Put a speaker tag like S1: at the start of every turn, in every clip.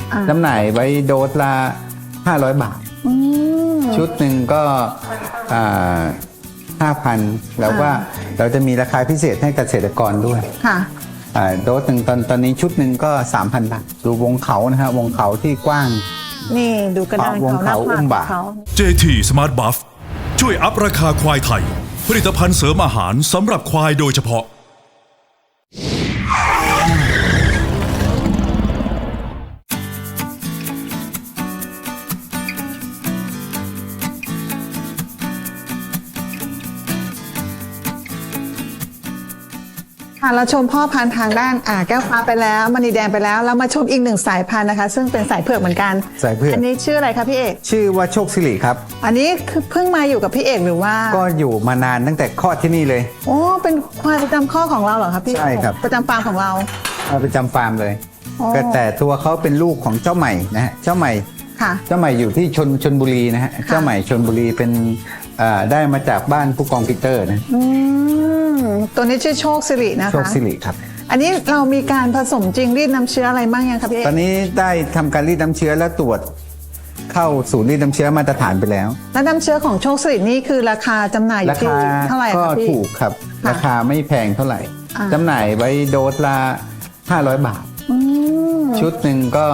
S1: จำหน่ายไว้โดสละ500 บาทชุดหนึ่งก็5,000แล้วว่าเราจะมีราคาพิเศษให้เกษตรกรด้วย
S2: ค่ะ
S1: โดสหนึ่งตอนนี้ชุดหนึ่งก็ 3,000 บาทดูวงเขานะฮะวงเขาที่กว้าง
S2: นี่ดูกระดานเขาหน้าผากเขา
S3: JT Smart Buff ช่วยอัพราคาควายไทยผลิตภัณฑ์เสริมอาหารสำหรับควายโดยเฉพาะ
S2: เราชมพ่อพันธุ์ทางด้านแก้วฟ้าไปแล้วมณีแดงไปแล้วเรามาชมอีกหนึ่งสายพันธุ์นะคะซึ่งเป็นสายเผือกเหมือนกัน
S1: สายเผือก
S2: อันนี้ชื่ออะไรคะพี่เอก
S1: ชื่อว่าโชคสิริครับ
S2: อันนี้คือเพิ่งมาอยู่กับพี่เอกหรือว่า
S1: ก็อยู่มานานตั้งแต่คลอดที่นี่เลย
S2: โอ้เป็นควายประจำข้อของเราเหรอครับพี่
S1: ใช่ครับ
S2: ประจำฟาร์มของเรา
S1: ประจำฟาร์มเลยแต่ตัวเขาเป็นลูกของเจ้าใหม่นะฮะเจ้าใหม่
S2: ค่ะ
S1: เจ้าใหม่อยู่ที่ชลบุรีนะฮะเจ้าใหม่ชลบุรีเป็นได้มาจากบ้านผู้กองปีเตอร์นะ
S2: ตัวนี้ชื่อโชคสิรินะคะ
S1: โชคสิริครับ
S2: อันนี้เรามีการผสมจริงรีดน้ำเชื้ออะไรบ้างยังครับพี่
S1: ตอนนี้ได้ทำการรีดน้ำเชื้อและตรวจเข้าศูนย์รีดน้ำเชื้อมาตรฐานไปแล้ว
S2: แล้วน้ำเชื้อของโชคสิรินี่คือราคาจำหน่ายอยู่ที่เท่าไหร่ครับพี่
S1: ก็ถูกครับราคาไม่แพงเท่าไหร่จำหน่ายไว้โดสละ500 บาทชุดหนึ่งก็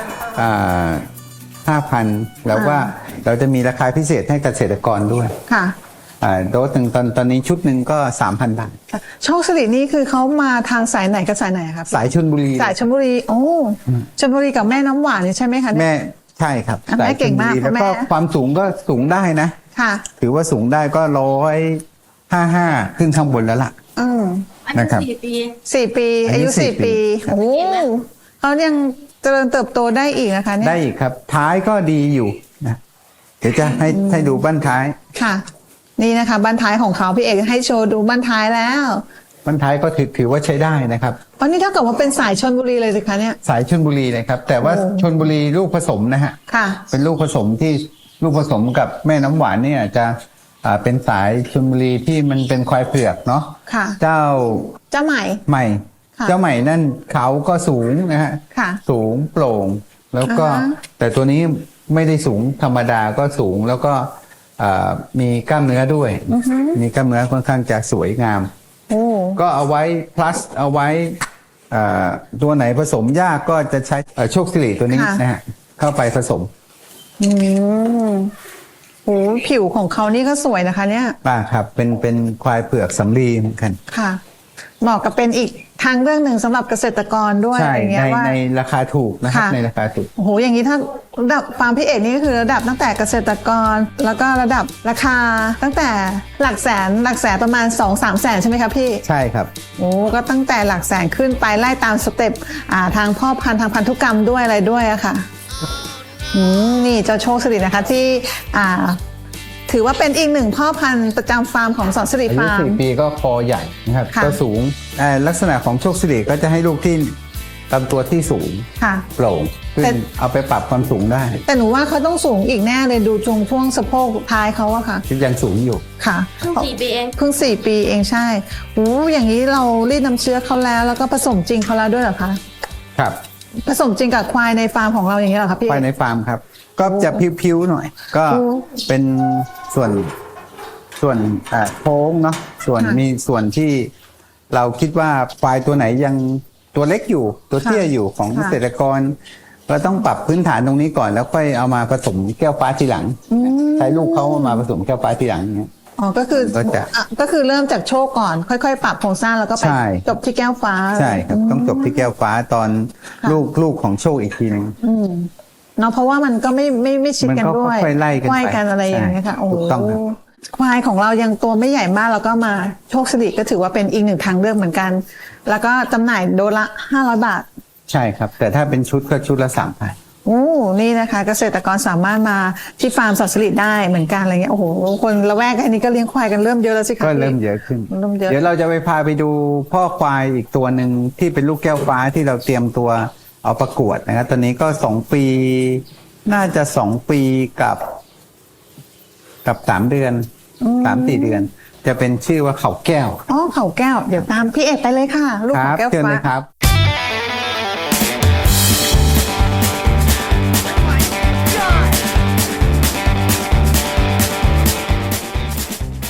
S1: 5,000แล้วว่าเราจะมีราคาพิเศษให้เกษตรกรด้วย
S2: ค่ะ
S1: โดสหนึ่งตอนนี้ชุดหนึ่งก็ 3,000 บาท
S2: โชคสิรินี่คือเขามาทางสายไหนกับสายไหนครับ
S1: สายชลบุรี
S2: สายชลบุรีโอ้ชลบุรีกับแม่น้ำหวานนี่ใช่ไหมคะ
S1: แม่ใช่ครับ
S2: แม่เก่งมาก
S1: แล้วก็ความสูงก็สูงได้นะ
S2: ค่ะ
S1: ถือว่าสูงได้ก็155ขึ้นข้างบนแล้วล่ะนะครับ
S2: 4 ปีอายุ4 ปีโอ้เขายังเจริญเติบโตได้อีกนะคะเนี่ย
S1: ได้อีกครับท้ายก็ดีอยู่นะเดี๋ยวจะให้ดูบั้นท้าย
S2: ค่ะนี่นะคะบั้นท้ายของเขาพี่เอกให้โชว์ดูบั้นท้ายแล้ว
S1: บั้นท้ายก็ถือว่าใช้ได้นะครับ
S2: วันนี้เท่ากับว่าเป็นสายชลบุรีเลยสิคะเนี่ย
S1: สายชลบุรีเลยครับแต่ว่าชลบุรีลูกผสมนะฮะ
S2: ค่ะ
S1: เป็นลูกผสมที่ลูกผสมกับแม่น้ำหวานเนี่ยจะเป็นสายชลบุรีที่มันเป็นควายเผือกเนาะ
S2: ค่ะ
S1: เจ้า
S2: ใหม่
S1: เจ้าใหม่นั่นเขาก็สูงนะฮะสูงโปร่งแล้วก็แต่ตัวนี้ไม่ได้สูงธรรมดาก็สูงแล้วก็มีกล้ามเนื้อด้วยมีกล้ามเนื้อค่อนข้างจะสวยงามก็เอาไว้ plus เอาไว้ตัวไหนผสมยากก็จะใช้โชคสิริตัวนี้นะฮะเข้าไปผสม
S2: โอ้ผิวของเขานี่ก็สวยนะคะเนี่ย
S1: ครับเป็นควายเผือกสำลีเหมือนกัน
S2: ค่ะเหมาะกับเป็นอีกทางเรื่องหนึ่งสำหรับเกษตรกรด้วย
S1: ใช่ในราคาถูกนะครับในราคาถูก
S2: โอ้โหอย่างนี้ถ้าระดับฟาร์มพี่เอกนี่ก็คือระดับตั้งแต่เกษตรกรแล้วก็ระดับราคาตั้งแต่หลักแสนประมาณ 2-3 แสนใช่ไหมครับพี่
S1: ใช่ครับ
S2: โอ้ก็ตั้งแต่หลักแสนขึ้นไปไล่ตามสเต็ปทางพ่อพันธุ์ทางพันธุกรรมด้วยอะไรด้วยอะค่ะนี่เจ้าโชคสิรินะคะที่ถือว่าเป็นอีกหนึ่งพ่อพันธุ์ประจำฟาร์มของสอนสิริฟาร์ม
S1: อายุ4 ปีก็คอใหญ่นะครับก็สูงลักษณะของโชคสิริก็จะให้ลูกที่ลำตัวที่สูงโปร่งขึ้นเอาไปปรับความสูงได้
S2: แต่หนูว่าเขาต้องสูงอีกแน่เลยดูช่วงสะโพกท้ายเขาอะค่ะ
S1: ยังสูงอยู่
S2: ค่ะ
S4: เพิ่ง4 ปีเอง
S2: 4 ปีเองใช่โอ้อย่างนี้เรารีดน้ำเชื้อเขาแล้วก็ผสมจริงเขาแล้วด้วยเหรอคะ
S1: ครับ
S2: ผสมจริงกับควายในฟาร์มของเราอย่างนี้เหรอครับพี่
S1: ควายในฟาร์มครับก็จะพิ้วๆหน่อยก็เป็นส่วนโค้งเนาะมีส่วนที่เราคิดว่าควายตัวไหนยังตัวเล็กอยู่ตัวเตี้ยอยู่ของเกษตรกรเราต้องปรับพื้นฐานตรงนี้ก่อนแล้วค่อยเอามาผสมแก้วฟ้าทีหลังใช้ลูกเขามาผสมแก้วฟ้าทีหลังเนี้ย
S2: ก็คือเริ่มจากโชคก่อนค่อยๆปรับโครงสร้างแล้วก็ไปจบที่แก้วฟ้า
S1: ใช่ครับต้องจบที่แก้วฟ้าตอนลูกของโชคอีกทีนึง
S2: เนาะเพราะว่ามันก็ไม่ชิดกันด้วย
S1: ไล่
S2: กันอะไรอย่างเงี้ยค่ะโอ้ควายของเรายังตัวไม่ใหญ่มากแล้วก็มาโชคสิริก็ถือว่าเป็นอีกหนึ่งทางเลือกเหมือนกันแล้วก็จำหน่ายโดสละ500 บาท
S1: ใช่ครับแต่ถ้าเป็นชุดก็ชุดละ3,000
S2: โอ้นี่นะคะเกษตรกรสามารถมาที่ฟาร์มสอนสิริได้เหมือนกันอะไรเงี้ยโอ้โหคนละแวกอันนี้ก็เลี้ยงควายกันเริ่มเยอะแล้วสิคะ
S1: ก็เริ่มเยอะขึ้นเดี๋ยวเราจะพาไปดูพ่อควายอีกตัวหนึ่งที่เป็นลูกแก้วฟ้าที่เราเตรียมตัวเอาประกวดนะครับตอนนี้ก็2 ปีน่าจะ2 ปีกับ3 เดือน3-4 เดือนจะเป็นชื่อว่าเขาแก้ว
S2: เขาแก้วเดี๋ยวตามพี่เอกไปเลยค่ะลูกเขาแก้วฟ้า
S1: เชิญเลยครับ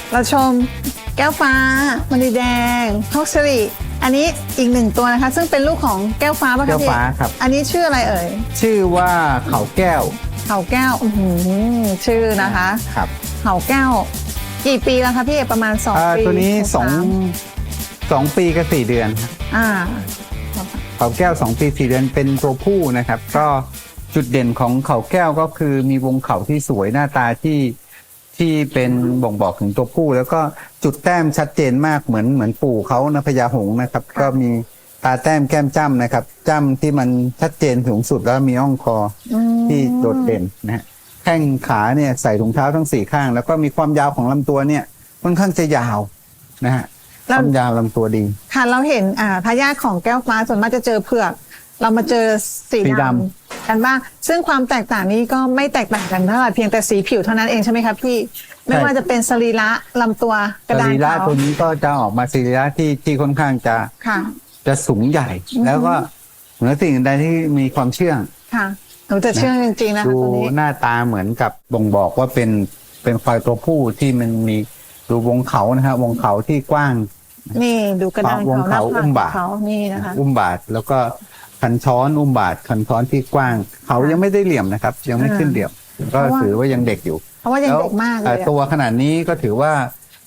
S2: เราชมแก้วฟ้ามณีแดงโชคสิริอันนี้อีกหนึ่งตัวนะคะ ซึ่งเป็นลูกของแก้วฟ้าป่ะคะ
S1: แก้ว
S2: พี่
S1: ฟ้าครับ
S2: อันนี้ชื่ออะไรเอ่ย
S1: ชื่อว่าเขาแก้ว
S2: เขาแก้วชื่อนะคะ
S1: ครับ
S2: เขาแก้ว กี่ปีแล้วคะพี่ประมาณ2 ปี
S1: ตัวนี้
S2: สาม
S1: 2 ปีกับ4 เดือนครับ
S2: อ่า
S1: เขาแก้ว 2 ปี 4 เดือนเป็นตัวผู้นะครับ ก็จุดเด่นของเขาแก้วก็คือมีวงเขาที่สวยหน้าตาที่เป็นบ่งบอกถึงตัวผู้ แล้วก็จุดแต้มชัดเจนมากเหมือนปู่เขานะพญาหงส์นะครับ ก็มีตาแต้มแก้มจ้ำนะครับจ้ำที่มันชัดเจนสูงสุดแล้วมีอ่องคอที่โดดเด่นนะฮะแข้งขาเนี่ยใส่ถุงเท้าทั้ง4ข้าง แล้วก็มีความยาวของลำตัวเนี่ยค่อนข้างจะยาวนะฮะความยาวลำตัวดี
S2: ค่ะเราเห็นทายาทของแก้วฟ้าส่วนมากจะเจอเผือก เรามาเจอสี
S1: สี
S2: ด
S1: ด
S2: ำกันบ้างซึ่งความแตกต่างนี้ก็ไม่แตกต่างกันเท่าไหร่เพียงแต่สีผิวเท่านั้นเองใช่ไหมครับพี่ไม่ว่าจะเป็นสรีระลำตัวกระ
S1: ส
S2: ดาน
S1: รีระ
S2: เขา
S1: ตัวนี้ก็จะออกมาสรีระที่ค่อนข้างจะ
S2: ค่ะ
S1: จะสูงใหญ่ แล้วก็เหนือสิ่งอื่นใดที่มีความเชื่อง
S2: ค่ะหนูจะเชื่อจริงๆนะคะ
S1: ดู
S2: ตัวนี้
S1: หน้าตาเหมือนกับบ่งบอกว่าเป็นควายตัวผู้ที่มันมีดูวงเขานะครับวงเขาที่กว้าง
S2: นี่ดูกระดาน
S1: วง
S2: เขาหน้าผาก
S1: เขาอุ้ม
S2: ข
S1: บา
S2: อ
S1: ท
S2: งเขานี่นะคะ
S1: อุ้มบาทแล้วก็คันช้อนอุ้มบาทคันช้อนที่กว้าง เขายังไม่ได้เหลี่ยมนะครับ ยังไม่ขึ้นเหลี่ยมก็ถือว่ายังเด็กอยู่
S2: เพราะว่ายังเด็กมากเลย
S1: แล้ว
S2: อะ
S1: ตัวขนาดนี้ก็ถือว่า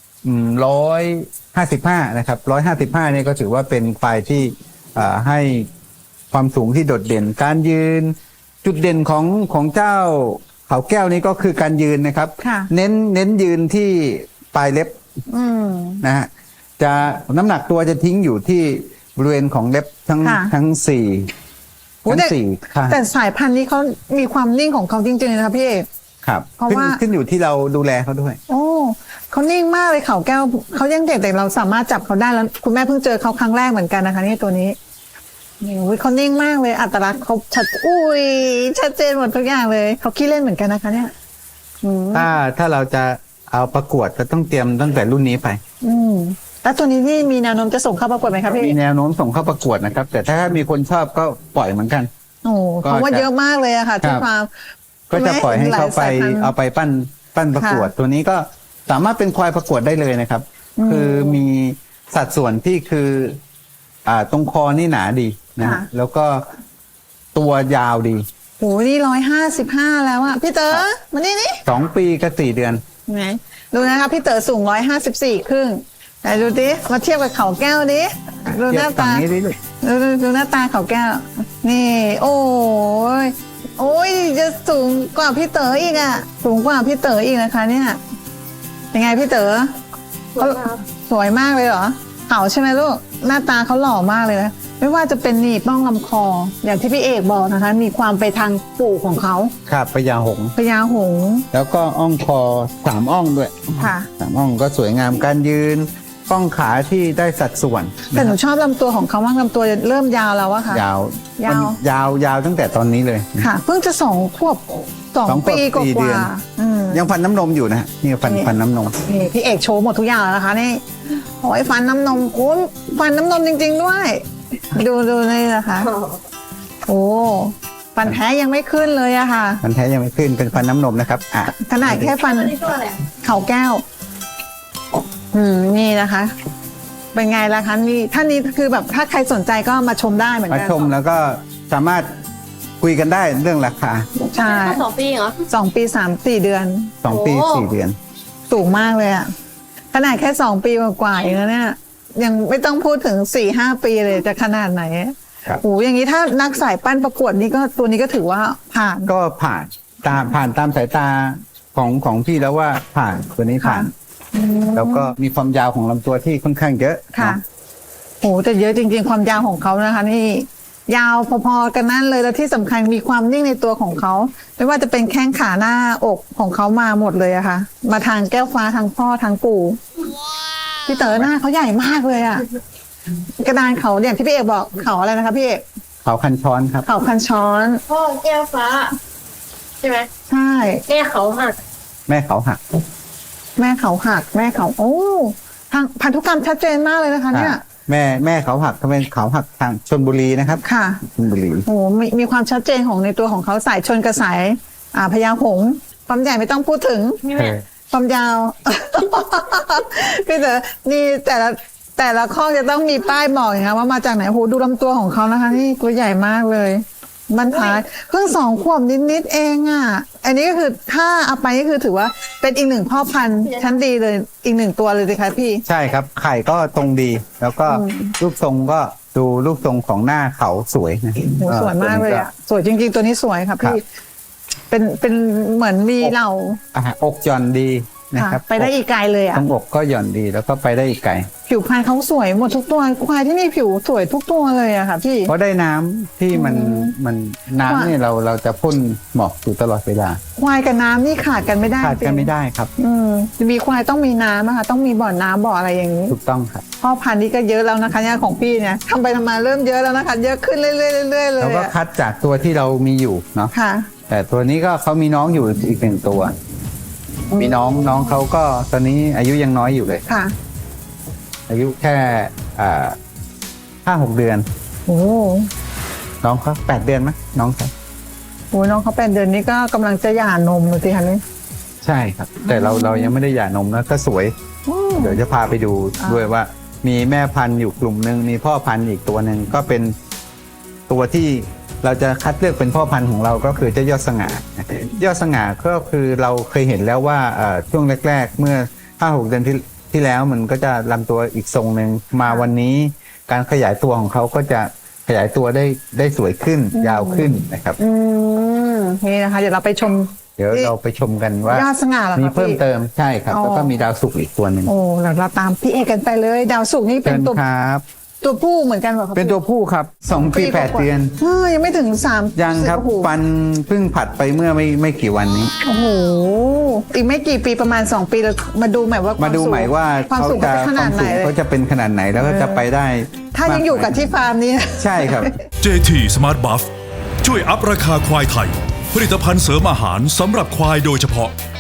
S1: 155นะครับ155เนี่ยก็ถือว่าเป็นควายที่ให้ความสูงที่โดดเด่น การยืนจุดเด่นของเจ้าเขาแก้วนี้ก็คือการยืนนะครับ
S2: ค่ะ
S1: เน้นยืนที่ปลายเล็บ
S2: อืม
S1: นะฮะจะน้ำหนักตัวจะทิ้งอยู่ที่บริเวณของเล็บทั้ง
S2: ค่ะ
S1: ทั้งสี่
S2: โอ้
S1: ทั้ง
S2: แต่
S1: สี่ข้าง
S2: แต่สายพันธุ์นี้เขามีความนิ่งของเขาจริงๆนะคะพี่เอก
S1: ครับ
S2: เพราะ
S1: ขึ้น
S2: ว่า
S1: ขึ้นอยู่ที่เราดูแลเขาด้วย
S2: โอ้เขานิ่งมากเลยเขาแก้วเขายังเด็กแต่เราสามารถจับเขาได้แล้วคุณแม่เพิ่งเจอเขาครั้งแรกเหมือนกันนะคะนี่ตัวนี้นี่อุ๊ยเขานิ่งมากเลยอัตลักษณ์เขาชัดเจนหมดทุกอย่างเลยเขาขี้เล่นเหมือนกันนะคะเนี่ยอืม
S1: ถ้าเราจะเอาประกวดก็ต้องเตรียมตั้งแต่รุ่นนี้ไป
S2: อืมแล้วตัวนี้นี่มีแนวโน้มจะส่งเข้าประกวดไหมครับพี่
S1: มีแนวโน้มส่งเข้าประกวดนะครับ แต่ถ้ามีคนชอบก็ปล่อยเหมือนกัน
S2: โอ้เพราะว่าเยอะมากเลยอะค่ะที่
S1: ครับ
S2: ฟาร์ม
S1: ก็จะปล่อยให้เขาไป
S2: หลายสายพันธุ์
S1: เอาไปปั้นประกวด ตัวนี้ก็สามารถเป็นควายประกวดได้เลยนะครับ คือมีสัดส่วนที่คือตรงคอนี่หนาดีนะฮะแล้วก็ตัวยาวดี
S2: โอ้นี่155แล้วอะพี่เต๋อมานี่
S1: 2 ปีกับ4 เดือน
S2: ไหนดูนะคะพี่เต๋อสูง154ครึ่งไหนดูดิมาเทียบกับเขาแก้วดิดูหน้าตา
S1: เทียบฝั่งนี้ดิลูก
S2: ดูหน้าตาเขาแก้ว นี่ โอ้ยจะสูงกว่าพี่เต๋ออีกอะสูงกว่าพี่เต๋ออีกนะคะ เนี่ยยังไงพี่เต๋อเขาสวยมากเลยเหรอเขาใช่ไหมลูกหน้าตาเขาหล่อมากเลยนะไม่ว่าจะเป็นหนีบบ้องลำคอ อย่างที่พี่เอกบอกนะคะ มีความไปทางปู่ของเขา
S1: ครับพญาหงส์
S2: พญาหงส์
S1: แล้วก็อ่องคอ3 อ่องด้วย
S2: ค่ะ
S1: 3 อ่องก็สวยงามการยืนป้องขาที่ได้สัดส่วน
S2: แต่หนูชอบลำตัวของเขามากลำตัวเริ่มยาวแล้วอะค่ะ
S1: ยาว
S2: ยาว
S1: มันยาวตั้งแต่ตอนนี้เลย
S2: ค่ะเพิ่งจะ2 ขวบ
S1: สองขวบ
S2: 2 ปีก
S1: 4 เดือน
S2: ว่าๆอืม
S1: ยังฟันน้ำนมอยู่นะฮะนี่ฟันน้ำนม
S2: นี่พี่เอกโชว์หมดทุกอย่างแล้วนะคะนี่โอ้ยฟันน้ำนมคุณฟันน้ำนมจริง ๆ ด้วย ดูนี่นะคะ โอ้ฟันแท้ยังไม่ขึ้นเลยอะค่ะ
S1: มันแท้ยังไม่ขึ้นเป็นฟันน้ำนมนะครับ
S2: ขนาดแค่ฟันเขาแก้ว นี่นะคะ เป็นไงล่ะคะนี่ท่านนี้คือแบบถ้าใครสนใจก็มาชมได้เหมือน
S1: มา
S2: กัน
S1: ชมแล้วก็สามารถคุยกันได้เรื่องราคา
S2: ใช่
S4: 2 ปีเหรอ
S2: 2 ปี 3-4 เดือน
S1: 2 ปี
S4: โอ้
S1: 4 เดือน
S2: สูงมากเลยอะขนาดแค่2 ปีกว่าๆเองนะเนี่ย ยังไม่ต้องพูดถึง 4-5 ปีเลยจะขนาดไหน
S1: ครับ
S2: โอ้อย่างนี้ถ้านักสายปั้นประกวดนี่ก็ตัวนี้ก็ถือว่าผ่าน
S1: ก็ผ่านตามสายตาของพี่แล้วว่าผ่านตัวนี้ผ่าน แล้วก็มีความยาวของลำตัวที่ค่อนข้างเยอะ
S2: ค่ะ
S1: เนาะ
S2: โอ้แต่เยอะจริงๆความยาวของเขานะคะ นี่ ยาวพอๆกันนั่นเลยแล้วที่สำคัญมีความนิ่งในตัวของเขาไม่ว่าจะเป็นแข้งขาหน้าอกของเขามาหมดเลยอะค่ะ มาทางแก้วฟ้าทางพ่อทางปู่พี่เต๋อหน้าเขาใหญ่มากเลยอะกระดานเขาอย่างที่พี่เอกบอกเขาอะไรนะคะพี่เอก
S1: เขาคันช้อนครับ
S2: เขาคันช้อน
S4: พ่อแก้วฟ้า ใช่ไหม
S2: ใช่
S4: แก้เขาหัก
S1: แม่เขาหัก
S2: แม่เขาหักแม่เขาโอ้ทางพันธุกรรมชัดเจนมากเลยนะคะ เนี่ย
S1: แม่เขาหักทำเป็นเขาหักทางชลบุรีนะครับ
S2: ค่ะ
S1: ชลบุรี
S2: โอ้มีความชัดเจนของในตัวของเขาสายชนกับสายพญาหงส์ความใหญ่ไม่ต้องพูดถึง
S4: นี่แม่
S2: ความยาว พี่เต๋อนี่แต่ละข้อจะต้องมีป้ายบอกอย่างเงี้ยว่ามาจากไหนโอ้โหดูลำตัวของเขานะคะนี่ตัวใหญ่มากเลยบรรท้ายเพิ่ง2 ขวบนิดๆเองอ่ะอันนี้ก็คือถ้าเอาไปก็คือถือว่าเป็นอีก1 พ่อพันธุ์ชั้นดีเลยอีก1 ตัวเลยสิคะพี่
S1: ใช่ครับไข่ก็ตรงดี แล้วก็รูปทรงก็ดูรูปทรงของหน้าเขาสวยนะ
S2: โหสวยมากเลยอ่ะสวยจริงๆตัวนี้สวยค่ะพี่เป็นเหมือนมีเหล่า
S1: อกหย่อนดีนะครับ
S2: ไปได้อีกไกลเลยอ่ะ
S1: ตรงอกก็หย่อนดีแล้วก็ไปได้อีกไกล
S2: ผิวพรรณเขาสวยหมดทุกตัวควายที่นี่ผิวสวยทุกตัวเลยอะค่ะพี่
S1: เพราะได้น้ำที่มันน้ำเนี่ยเราจะพ่นหมอกอยู่ตลอดเวลา
S2: ควายกับน้ำนี่ขาดกันไม่ได้
S1: ขาดกันไม่ได้ครับ
S2: มีควายต้องมีน้ำนะคะต้องมีบ่อน้ำบ่ออะไรอย่างนี้
S1: ถูกต้องครับ
S2: พ่อพันธุ์นี่ก็เยอะแล้วนะคะเนี่ยของพี่เนี่ยทำไปทำมาเริ่มเยอะแล้วนะคะเยอะขึ้นเรื่อยๆเรื่อยๆเลย
S1: เราก็คัดจากตัวที่เรามีอยู่เนาะ
S2: ค่ะ
S1: แต่ตัวนี้ก็เขามีน้องอยู่อีก1 ตัว มีน้องเขาก็ตอนนี้อายุยังน้อยอยู่เลย
S2: ค่ะ
S1: อายุแค่5-6 เดือน
S2: โอ้
S1: น้องเขา8 เดือนไหมน้องเขา
S2: โหน้องเขา8 เดือนนี้ก็กำลังจะหย่านมเลยสิคะนี่
S1: ใช่ครับ แต่เรายังไม่ได้หย่านมนะก็สวย เดี๋ยวจะพาไปดูด้วยว่า มีแม่พันธุ์อยู่กลุ่มหนึ่งมีพ่อพันธุ์อีกตัวหนึ่งก็เป็นตัวที่เราจะคัดเลือกเป็นพ่อพันธุ์ของเราก็คือเจ้ายอดสง่ายอดสง่าก็คือเราเคยเห็นแล้วว่าช่วงแรกๆเมื่อ 5-6 เดือนที่แล้วมันก็จะลำตัวอีกทรงหนึ่งมาวันนี้การขยายตัวของเขาก็จะขยายตัวได้สวยขึ้นยาวขึ้นนะครับ
S2: นี่นะคะเดี๋ยวเราไปชม
S1: เดี๋ยวเราไปชมกันว่าย
S2: อดสง่าเหรอคะ
S1: มีเพิ่ม
S2: พี่
S1: เติมใช่ครับ
S2: อ๋อ
S1: แล้วก็มีดาวสุกร์อีกตัวหนึ่ง
S2: โอ้เราตามพี่เอกกันไปเลยดาวสุกร์นี่เป็
S1: เชิ
S2: น
S1: ญ
S2: ตัว
S1: ครับ
S2: ตัวผู้เหมือนกันเหรอคะ
S1: เป็นตัวผู้ครับ2 ปี 8 เดือน
S2: ยังไม่ถึง3
S1: ยังครับ
S2: โอ้โห
S1: ฟันเพิ่งผัดไปเมื่อไม่กี่วันนี้
S2: โอ้โหอีกไม่กี่ปีประมาณ2 ปีเรามาดูใหม่ว่าความ
S1: มาดู
S2: สูง
S1: ใหม่ว่า
S2: ความ
S1: เขา
S2: สูง
S1: จะ
S2: เป็นขนาดไหนเลย
S1: เขาจะเป็นขนาดไหนแล้วก็จะไปได้
S2: ถ้ายังอยู่กับที่ฟาร์มนี้
S1: ใช่ครับ
S3: JT Smart Buff ช่วยอัพราคาควายไทย ผลิตภัณฑ์เสริมอาหารสำหรับควายโดยเฉพาะ